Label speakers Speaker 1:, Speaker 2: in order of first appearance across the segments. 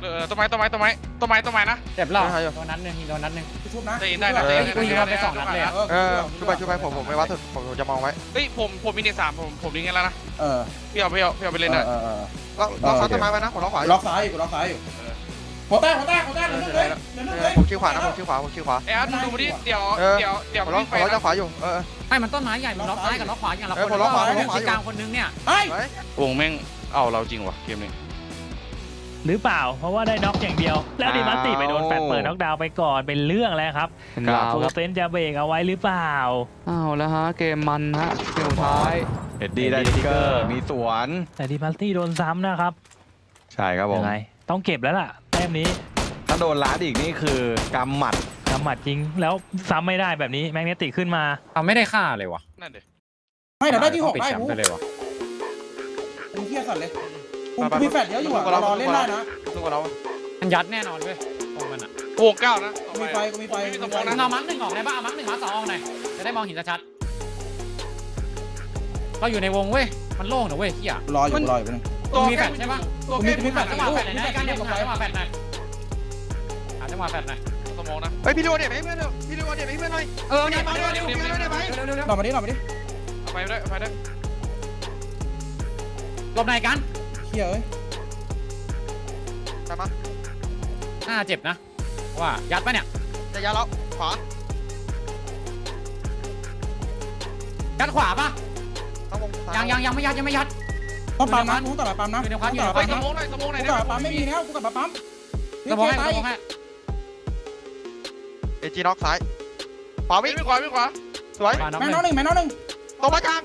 Speaker 1: ต้นไม้นะ
Speaker 2: เจ็บแล้วโดนนัดหนึ่งโดนนัดหนึ่ง
Speaker 3: ชุบนะ
Speaker 1: ได้ยินได้นะ
Speaker 2: กูยิงเราไป2 นัดเลยอะ
Speaker 4: ช่วยไปผมไม่วัดสุดผมจะมองไว้
Speaker 1: เฮ้ยผมมีเนต3ผมยิงกันแล้วนะ พี่เอาไปเล่นหน่อย
Speaker 4: เราซัดต้นไม้ไว้นะผมล็อกขวา
Speaker 3: ล็อกซ้ายอยู่ล็อกซ้ายอยู่หัวแตกเหลือนึงเลย
Speaker 4: ผมคิวขวานะผมคิวขวา
Speaker 1: ไอ้อาร์ตมึงดูมาดิเดี๋ยว
Speaker 4: ผมล็อก
Speaker 1: ไป
Speaker 4: จะขวาอยู่
Speaker 2: ไม่มันต้นไม้ใหญ่มันล็อกซ้ายกับล็อกขวาอย่างละคน
Speaker 4: ผมล็อกขวา
Speaker 2: ที่กลางคนนึงเนี่ย
Speaker 1: วงแม่งเอาเราจริงวะเกมนี้
Speaker 5: หรือเปล่าเพราะว่าได้น็อกอย่างเดียว แล้วดิมัสติไปโดนแฟดเปิดน็อกดาวน์ไปก่อนเป็นเรื่องแล้วครับ
Speaker 6: ครับ
Speaker 5: ฟูเซนจะเบรกเอาไว้หรือเปล่า
Speaker 6: อ้าวแล้วฮะเกมมันฮะเกมสุดท้ายเอ็ดดี้ได้ทิกเกอร์มีสวน
Speaker 5: แต่ดิมัสติโดนซ้ำนะครับ
Speaker 6: ใช่ครับผม
Speaker 5: ยังไงต้องเก็บแล้วล่ะแต้มนี้
Speaker 6: ถ้าโดนล้าดอีกนี่คือกำหมัด
Speaker 5: กำหมัดจริงแล้วซ้ำไม่ได้แบบนี้แมกเนติกขึ้นมา
Speaker 2: ไม่ได้ฆ่าเลยวะ
Speaker 1: นั่นเดี๋ยว
Speaker 3: ไม่เดี๋ยวได้ที่6
Speaker 2: ปิด
Speaker 3: ได้
Speaker 2: แชม
Speaker 3: กู
Speaker 2: ป์ไปเลยวะ
Speaker 3: มึงเที่ยสัตว์เลยกูมีแฟดเยอะอยู่รอเล่นได้นะ
Speaker 4: สู้กับเรา
Speaker 2: มันยัดแน่นอนเว้ยตรงมันอ่ะ
Speaker 1: วง9นะ
Speaker 3: กูมีไฟ
Speaker 2: เอามัง1ออกได้ป่ะเอามัง1มัง2ออกหน่อยจะได้มองเห็นชัดๆเราอยู่ในวงเว้ยมันโล่งนะเว้ยเฮีย
Speaker 3: รออยู่ไปนึง
Speaker 2: ตัวมีแฟดใช่ปะ
Speaker 1: ตัว
Speaker 3: กู
Speaker 1: เก
Speaker 3: มี
Speaker 1: ม
Speaker 3: แฟด
Speaker 2: จังหวะแฟดหน่อยนะการเดียวผมหาจังหวะแฟดหน่อยหาจังหวะแฟดหน่อย
Speaker 1: สมองนะ
Speaker 4: เฮ้ยพี่ดูเนี่ยให้เพื่อนหน่อยพี่ดูเนี่ยให้เพื่อนหน่อย
Speaker 2: เนี่ยมาเร็ว
Speaker 3: หน่อมาดิ
Speaker 1: ไปได้
Speaker 2: หลบไหนกัน
Speaker 3: เที่ยเอ้ย
Speaker 4: ตามมา
Speaker 2: น่าเจ็บนะว่ายัดปะเนี่ย
Speaker 4: จะยัดแล้วขวา
Speaker 2: ยัดขวาปะ
Speaker 4: ต้องวง
Speaker 2: ยังไม่ยัด
Speaker 3: ต้องปั๊มนะกูต่อไปปั๊มนะ
Speaker 1: เฮ้ยสมองหน่อย
Speaker 3: กูต่อไปปั๊มไม่มีแล้วกูกลับมาปั๊ม
Speaker 2: สมองให้
Speaker 4: เอจีน็อกซ้ายขวาวิ่ง
Speaker 1: ไม่ขวา
Speaker 4: สวย
Speaker 2: มาน้อง
Speaker 3: แม่น้องหนึ่ง
Speaker 4: ตบมาจาง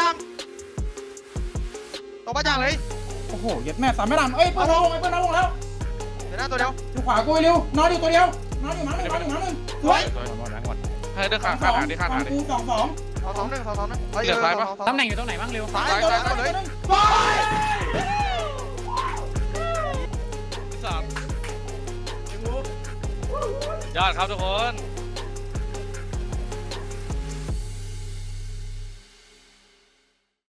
Speaker 4: เลย
Speaker 3: โอ้โหเย็ดแม่สามไม่ดันเอ้ยเพื่อนน้องลงแล้ว
Speaker 4: เดี๋ยวหน้าตัวเดียว
Speaker 3: อยู่ขวากูเร็วนอนอยู่ตัวเดียวนอนอยู่หมาหนึ่งสวย
Speaker 1: ให้เดินขาดหาดิ
Speaker 3: กู2
Speaker 4: 2-1
Speaker 2: ตำแหน่งอยู่ตรงไหนบ้างเร็ว
Speaker 3: ซ้ายตัวนึงซ้าย
Speaker 1: 3ยอดครับทุกคน